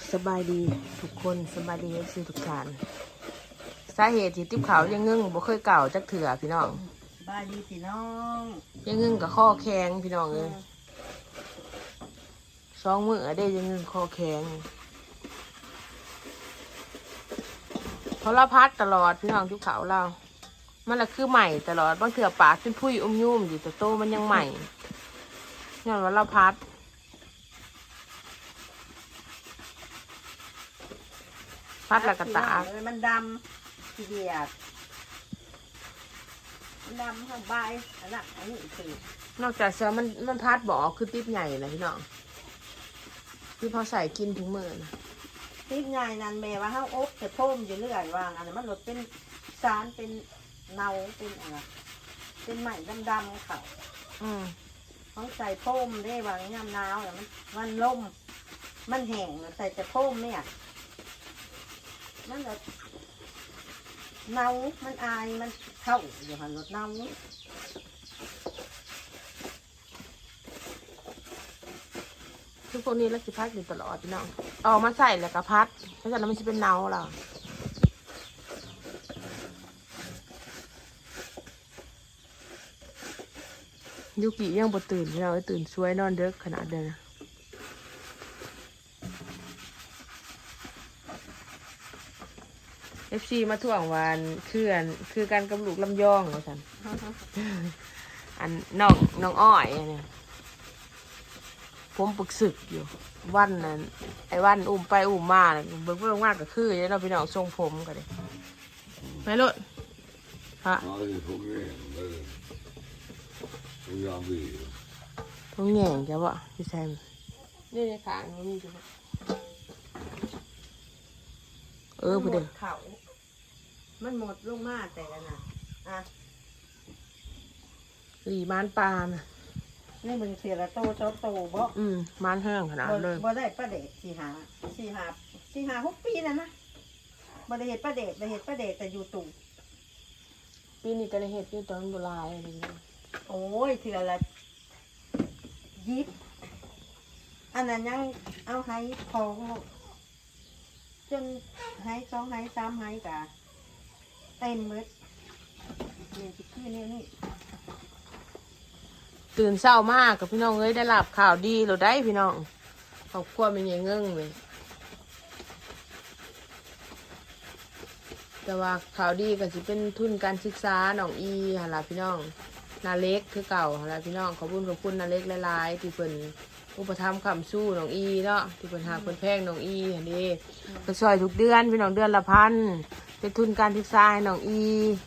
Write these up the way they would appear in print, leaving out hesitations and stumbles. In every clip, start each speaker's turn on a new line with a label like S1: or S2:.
S1: สบายดีทุกคนสบายดีสิทุกท่านสาเหตุที่ติ๊บขาวยังงึ่งบ่เคยเก่าจักเถื่อพี่น้อง
S2: สบายดีพี่น้อง
S1: ยังงึ่งกับข้อแข็งพี่น้องเลย2 มื้อได้ยังงึ่งข้อแข็งเพราะเราพัดตลอดพี่น้องติ๊บขาวเรามันละคือใหม่ตลอดบางเถื่อปากเป็นพุ้ยยุ่มอยู่แต่โตมันยังใหม่ย้อนว่าเราพัดแล้วก็ตา
S2: มันดำทีเดียดมันดำทั้งใบอันนั้นอันนี้คือน
S1: อกจากเสือมันพัดบ่อคือติ๊บใหญ่นะพี่น้องที่พอใส่กินถึงมือนะ
S2: ติ๊กไงนั่นแม่ว่าห้าอบจะพ่มอยู่เรื่อยวางอันนั้นมันหลดเป็นสารเป็นเนาเป็นอะไรเป็นไหมดำๆเขาเขาใส่พ่มได้วางยามหนาวแต่มันล่มมันแห้งใส่จะพ่มเนี่ยมันแบบเน่ามันอายมันเข้าอยู่หันรถเน่า
S1: ทุกพวกนี้แล้วสิพัดอยู่ตลอดพี่น้องออกมาใส่แล้วก็พัดเพราะฉะนั้นมันจะเป็นเนาเรายูกิยังบ่ตื่นพี่น้องตื่นช่วยนอนเด็กขนาดเดิมนะFC มาถ่วงวันคือการกำลูกลำยองเหรอสันอันน้องอ้อยเนี่ยผมปรึกศึกอยู่วันนั้นไอ้วันอุ้มไปอุ้มมาเนี่ยเบิ่งเบิ่งมากก็คือเนี่ยเราพี่น้องทรงผมกันเลยไม่รถฮะผมแง่งแกวะพี่แซมนี่ในขามันมีอยู่พอดี
S2: เขามันหมดลงมาแต่ละน่ะ
S1: หลีมานปลาน่ะ
S2: นี่มึงเสียละโตชอบโตบ่
S1: มานแห้งขนาดเลย
S2: บ่ได้ประเดช4-5 ปีนั่นนะบ่ได้เห็ดประเดชได้เห็ดประเดชแต่อยู่ตุ่ม
S1: ปีนี้ก็ได้เห็ดอยู่ตอนโบราณอะไรอย่างเงี้ย
S2: โอ้ยเถื่อละยิบอันนั้นยังเอาให้ของจนให้2ให้3ให้กะเต็มมืดนี่คือนี่
S1: ตื่นเช้ามากกับพี่น้องเอ้ยได้รับข่าวดีเราได้พี่น้องครอบครัวเป็นยังเงื่งเลยแต่ว่าข่าวดีก็จะเป็นทุนการศึกษาน้องอีฮะล่ะพี่น้องนาเล็กคือเก่าฮะล่ะพี่น้องขอบคุณนาเล็กหลายๆที่เพิ่นอุปถัมภ์คำสู้น้องอีเนาะที่เพิ่นหาเพิ่นแพงน้องอีอันนี้ก็ช่วยทุกเดือนพี่น้องเดือนละ1,000เป็นทุนการศึกษาให้น้องอี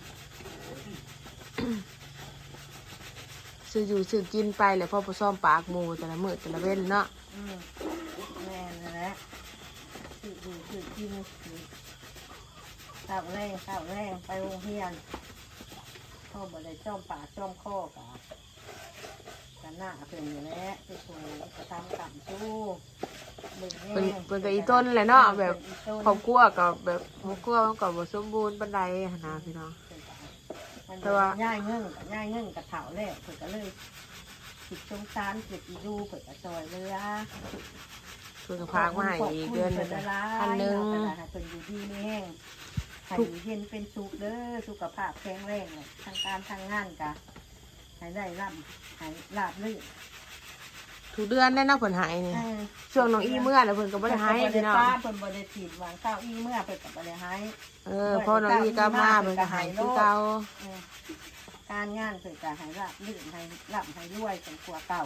S1: ซื้ออยู่ซื้อกินไปแล้วพ่อผสมปากหมูแต่ละมื้อแต่ละเว้นเนาะ
S2: แม่นแหละซื้ออยู่ซื้อกินข้าวแรงไปโรงเรียนพ่อบ่ได้จ้อมปากจ้อมคอกะกันหน้าเพิ่นอยู่แล้วที่ครูจะทำกรรมสู้
S1: เป็นก็อีต้นแหละเนาะแบบครอบครัวกับแบบครอบครัวมันก็บ่สมบูรณ์ปานใดหั่นนะพี่น้อง
S2: แต่ว่าย่ายเงื่งกับเถาแรกเพิ่นก็เลยติดสงสารเกิดอีดูเพิ่นก็ซอยเรือ
S1: เพิ่นก็พามาให้อีกเดือนนึง1,000
S2: เพิ่นอยู่ดีมีแห้งให้เห็นเป็นสุขเด้อสุขภาพแข็งแรงเลยทางการทางงานกะให้ได้ร่ำให้ราบรื่น
S1: ทุกเดือนได้เนาะเพิ่นให้นี่ช่วงน้องอีเมื่อแล้วเพิ่นก็บ่ได้ให้พี่น้อง
S2: เพิ่นบ่ได้ถีบวางข้าวอีเมื่อเพิ่นก็บ่ได้ให้
S1: พอน้องอีกลับมาเพิ่นก็ให้คือเก่า
S2: การงานเพิ่นก็ให้ราบรื่นให้ร่ำให้รวยเป็นกว่าเก่า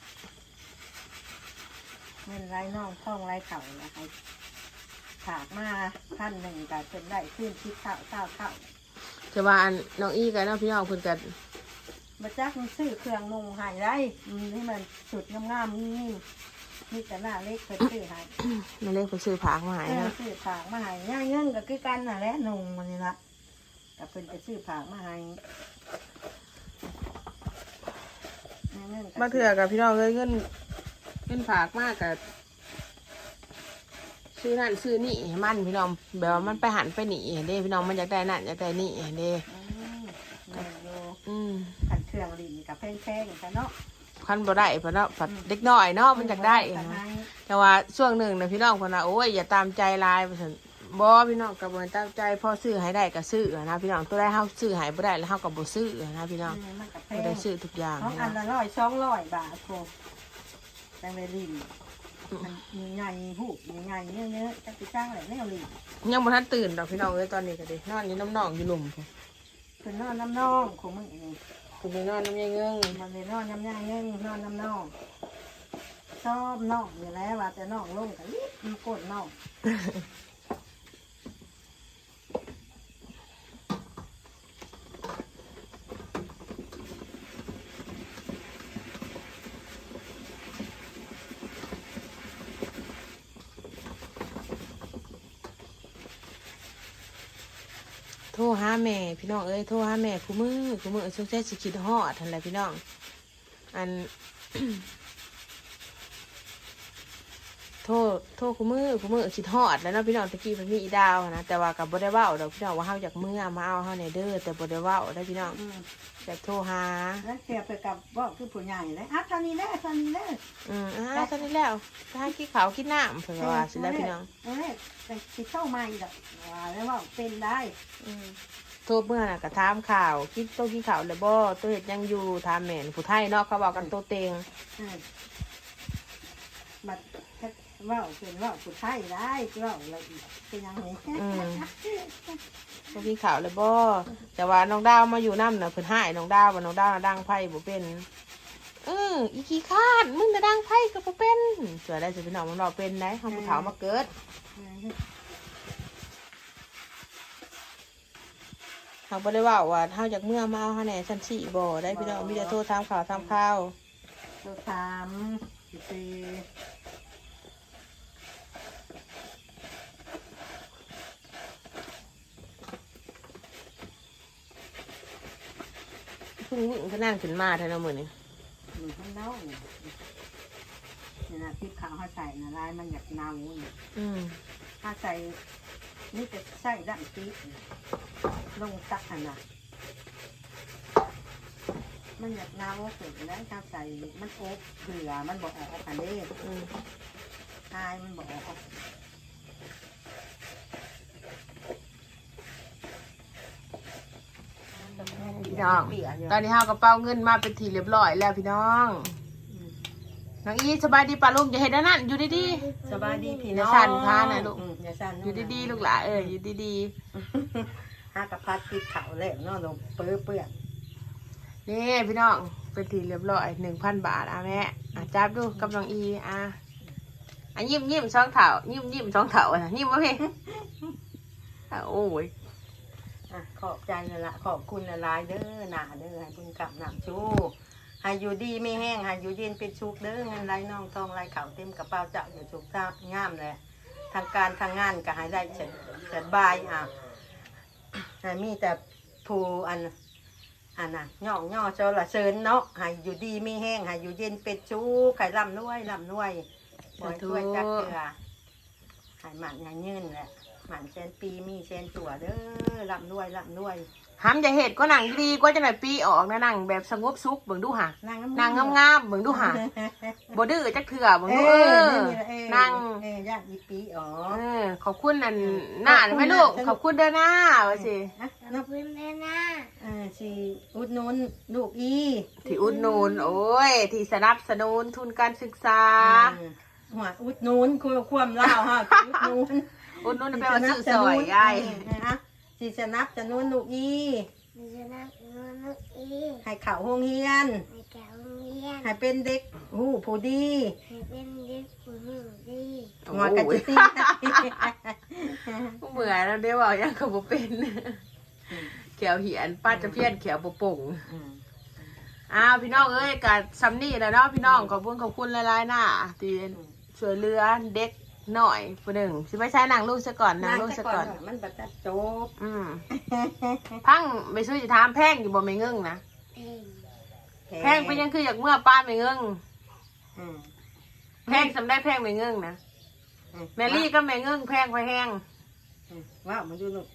S2: เงินไรน้องท่องไรเข่านะให้ถากมา1,000ก็เป็นได้ขึ้นคิดข้าว
S1: แต่ว่าน้องอีก็เนาะพี่น้องเพิ่นก็
S2: มาจักมันซื้อเครื่องนุ่งหายได้ให้มันสุดงามนี่แต่หน้าเล็กเพิ่นซื้อหาย
S1: นาเล็กเพิ่นซื้อผักมาให้นะ
S2: ซื้อผักมาให้ย่าเงินก็คือกันน่ะแหละนุ่งมันนี่ละก็เพิ่นจะซื้อผักมาให้
S1: มาเถื่อกับพี่น้องเลยเงินผักมากกับซื้อนั่นซื้อนี่มันพี่น้องแบบว่ามันไปหันไปหนีเด้พี่น้องมันอยากได้นั่นอยากได้นี่เด้
S2: ขันเครื่องลิ้นกับแพงๆกันเนาะ
S1: คันบ่ได้เพราะเนาะผัดเด็กน้อยเนาะมันอยากได้แต่ว่าช่วงหนึ่งนะพี่น้องคนน่ะโอ้ยอย่าตามใจลายไปสิบ่พี่น้องกับบ่ตามใจพอซื้อให้ได้ก็ซื้อนะพี่น้องตัวได้เฮาซื้อให้บ่ได้แล้วเฮาก็บ่ซื้อนะพี่น้อง
S2: มันกับแพ
S1: บ่ได้
S2: ง
S1: ซื้อทุกอย่าง
S2: ของอันละ100-200 บาทโคแตงเวลินมันมีใหญ่หูมีใหญ่เนื้อจักสิจ้างแหละแนวลิน
S1: ยังบ่ทันตื่นดอกพี่น้องเอ้ยตอนนี้ก็ดินอนอยู่น้ำหนองอยู่หลุมพุ่น
S2: คือนอนน้ำน่องของมึงเอง
S1: คือไปนอนน้ำยายเงื้ง
S2: มันเลยนอนน้ำย่างเงี้ยนอนน้ำน่องชอบน่องอยู่แล้วว่าแต่น่องลงกันมันกดน่อง
S1: โทรหาแม่พี่น้องเอ้ยโทรหาแม่คู่มือสงสัยสิคิดฮอดหั่นแหละพี่น้องอัน โทรคู่มือคิดฮอดแล้วเนาะพี่น้องตะกี้มันมีอีดาวนะแต่ว่ากับบ่ได้เว้าดอกพี่น้องว่าเฮาจากเมื่อมาเอาเฮาในเด้อแต่บ่ได้เว้าได้พี่น้องแต่โทรหา
S2: แล้วเสียไปกับว่าคือผู้ใหญ่เลยอ่ะตอนนี้แน่ตอนนี้แน่
S1: ตอนนี้แล้วถ้าให้กินข้าวกินน้ำเพิ่นก็ว่าสิแล้วพี่น้อง
S2: แต่คิดเข้ามาอีกดอกว่าแล้วว่าเป็นได้
S1: โทรเมื่อน่ะก็ถามข่าวกินข้าวแล้วบ่ตัวเฮ็ดหยังอยู่ถามแม่นผู้ไทยเนาะเขาเว้ากันโตเต็ง
S2: บัดว่าเป็นว่าผู้ไทยได้ว่าอะไรอีกเป็นยังไง
S1: ตัวกินข้าวแล้วบ่แต่ว่าน้องดาวมาอยู่นำน่ะเพิ่นหายน้องดาวว่าน้องดาวน่ะดังไผบ่เป็นอีขี้คร้านมึงน่ะดังไผก็บ่เป็นเสือได้สิพี่น้องมันเราเป็นได้เฮาผู้เฒ่ามาเกิดเฮาบ่ได้เว้าว่าเฮาจากเมื่อมาเอาเฮาแหน่ซั่นสิบ่ได้พี่น้องมีแต่โทรถามข่าว
S2: ตัวสามสี่
S1: เพิ่งวิ่งก็นั่งขึ้นมาแท้เนาะมื้อนี้
S2: มันให้เน่าเนี่ยนะพริกขาวเขาใส่นะลายมันอยากเน่าเนี่ย ถ้าใส่นี่จะใส่ด้านปีกลงตักอันน่ะมันอยากเน่าเสร็จแล้วถ้าใส่มันโอ๊บเผื่อมันบอกออกอันนี้ทายมันบอกออก
S1: พี่น้องตอนนี้เฮากระเป๋าเงินมาเป็นทีเรียบร้อยแล้วพี่น้องน้องอีสบายดีป่ะลูกอย่าเห็นนั่นอยู่ดี
S2: สบายดีพี่
S1: ๆ
S2: น้อง
S1: สั่นพานะลูก
S2: อย่าสั่น
S1: อยู่ดีๆลูกหลานอยู่ดี
S2: ห้ากระพัดติดเขาแล้วเนาะลงเปื้อเปื้อน
S1: ๆนี่พี่น้องเป็นทีเรียบร้อย 1,000 บาทแม่จับดูกับน้องอียิ้มสองเถายิ้มสองเถายิ้มวะพี่โอ้ย
S2: ขอบใจนั่นละขอบคุณละลายเด้อหนาเด้อให้บุญกับหนำชูให้อยู่ดีไม่แห้งให้อยู่เย็นเป็นชุกเด้อเงินไหลน้องทองไหลเข่าเต็มกระเป๋าเจ้าอยู่ชุกท่างามเลยทางการทางงานก็ให้ได้เสร็จบายให้มีแต่ผู้อันน่ะย่อเจ้าละเชิญเนาะให้อยู่ดีไม่แห้งให้อยู่เย็นเป็นชุกไข่ลำนวยบ่อยช่วยจักเกลือให้หมันให้ยืนแหละหมันเชนปีมีเชนตัวเด้อลำนวย
S1: ห้ามจะเห็ดก็หนังดีก็จะหน่อยปีออกนะหนังแบบสงบสุขเบิ่งดูหะ
S2: นาง
S1: นางงามๆเบิ่งดูหะบ่ดื้อจักเถื่อเบิ่งดูนาง
S2: ย่างอีปีอ๋อ
S1: ขอบคุณนั่นหน้าไหมลูกขอบคุณเด้อหน้าว่าสิ
S2: ขอบคุณแม่นะสิอุดหนุนลูกอี
S1: ที่อุดหนุนโอ้ยที่สนับสนุนทุนการศึกษา
S2: หัวอุดหนุนความเล่าฮะอุดหนุน
S1: อุดหนุนแปลว่าซื้อซอยยาย
S2: สิสนับสนุนลูกอีให้เข่าห้องเฮียนให้เป็นเด็กผู้ดีหัวกระจิตี
S1: เบื่อแล้วเดี๋ยวบอกยังเขาบ่เป็นเขียวเหียนป้าจะเพี้ยนเขียวบ่ป่งพี่น้องเอ้ยกับซัมนี่แล้วเนาะพี่น้องขอบคุณหลายๆหน้าที่ช่วยเหลือเด็กหน่อยผู้หนึ่งสิไม่ใช่นางลูกซะก่อนนางลูกซะก่อน
S2: มันบัดจัดจบ
S1: พังไม่ซื้อจะถามแพงอยู่บ่ไม่เงิ่งนะแพงเป็นยังคืออยากเมื่อป้าไม่เงิ่งแพงสำได้แพงไม่เงิ่งนะแมรี่ก็ไม่เงิ่งแพงไปแห้ง
S2: ว้าวมันดูลูก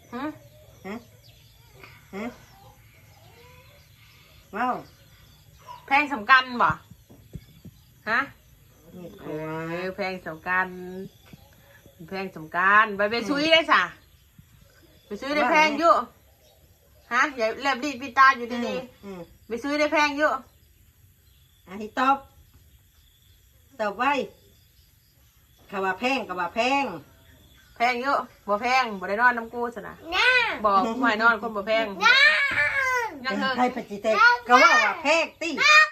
S2: ว้าว
S1: แพงสำคัญบ่ฮะ
S2: มีด
S1: เอ
S2: ครัว
S1: อแพงสำคัญแพงสำคัญไปซื้อได้สะไปซื้อได้แพงอยู่ฮะอย่าเล็บดีดปีตาอยู่ดีๆไปซื้อได้แพงอยู่
S2: อันนี้ตอบไว้คำว่าแพงกับว่าแพง
S1: แพงเยอะบ่แพงบ่ได้นอนน้ำกูสนะบอกกูให้นอนคนบ่แพงยังเถอะ
S2: ใครปฏิเสธก็ว่าแพงตี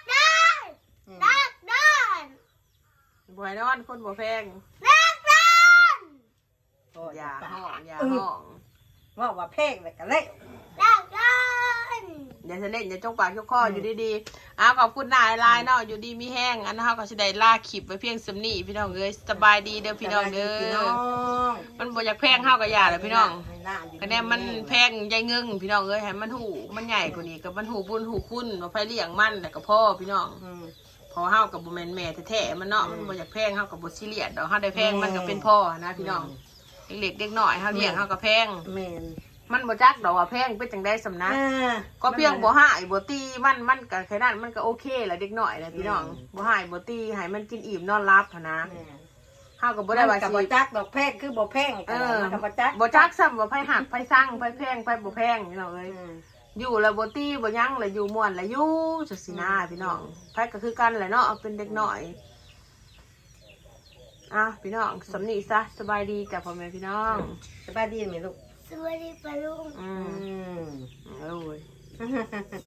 S1: บ่ให้นอนคนบ่แพงอย่าห้องอย่าห้อง
S2: ว่าแพงเลยกันเลย
S1: อย่าเสน่ห์อย่าจงปากจงคออยู่ดีๆอ้าวขอบคุณนายลายเนาะอยู่ดีมีแห้งอันนั้นเขาก็สิได้ลาคลิปไว้เพียงสำนีพี่น้องเอ้ยสบายดีเด้อพี่น้องเด้อมันบ่อยากแพงเฮาก็อย่าแหละพี่น้องคะแนนมันแพงใหญ่เงิงพี่น้องเอ้ยให้มันหูมันใหญ่กว่านี้กับมันหูบุญหูคุณว่าไผเลี้ยงมันแต่ก็พ่อพี่น้องพอเฮากับบ่แม่นแม่แท้ๆมันเนาะมันบ่อยากแพงเฮากับบ่ซีเรียสดอกเฮาได้แพงมันก็เป็นพ่อนะพี่น้องเล็กๆเด็กน้อยเฮาเลี้ยงเฮาก็แพง
S2: แม่น
S1: มันบ่จักดอกว่าแพงเป็นจังได้สำนักก็เพียงบ่หายบ่ตีมันก็แค่นั้นมันก็โอเคแหละเด็กน้อยแหละพี่น้องบ่หายบ่ตีให้มันกินอิ่มนอนรับหั้นนะเฮาก็บ่ได้ว่า
S2: กับ
S1: สิ
S2: บ่จักดอกแพงคือบ่แพงกับบ่จัก
S1: บ่จักซ้ำว่าไผหักไผสั่งไผแพงไผบ่แพงพี่น้องเอ้ยอยู่แล้วบ่ตีบ่ยั้งแล้วอยู่ม่วนแล้วอยู่จังซี่นะพี่น้องไผก็คือกันแหละเนาะเป็นเด็กน้อยพี่น้องสำนีซะสบายดีจ้ะพ่อแม่พี่น้อง
S2: สบายดีไหมลูก
S3: สวัสดีปะลุง
S1: โอ้ย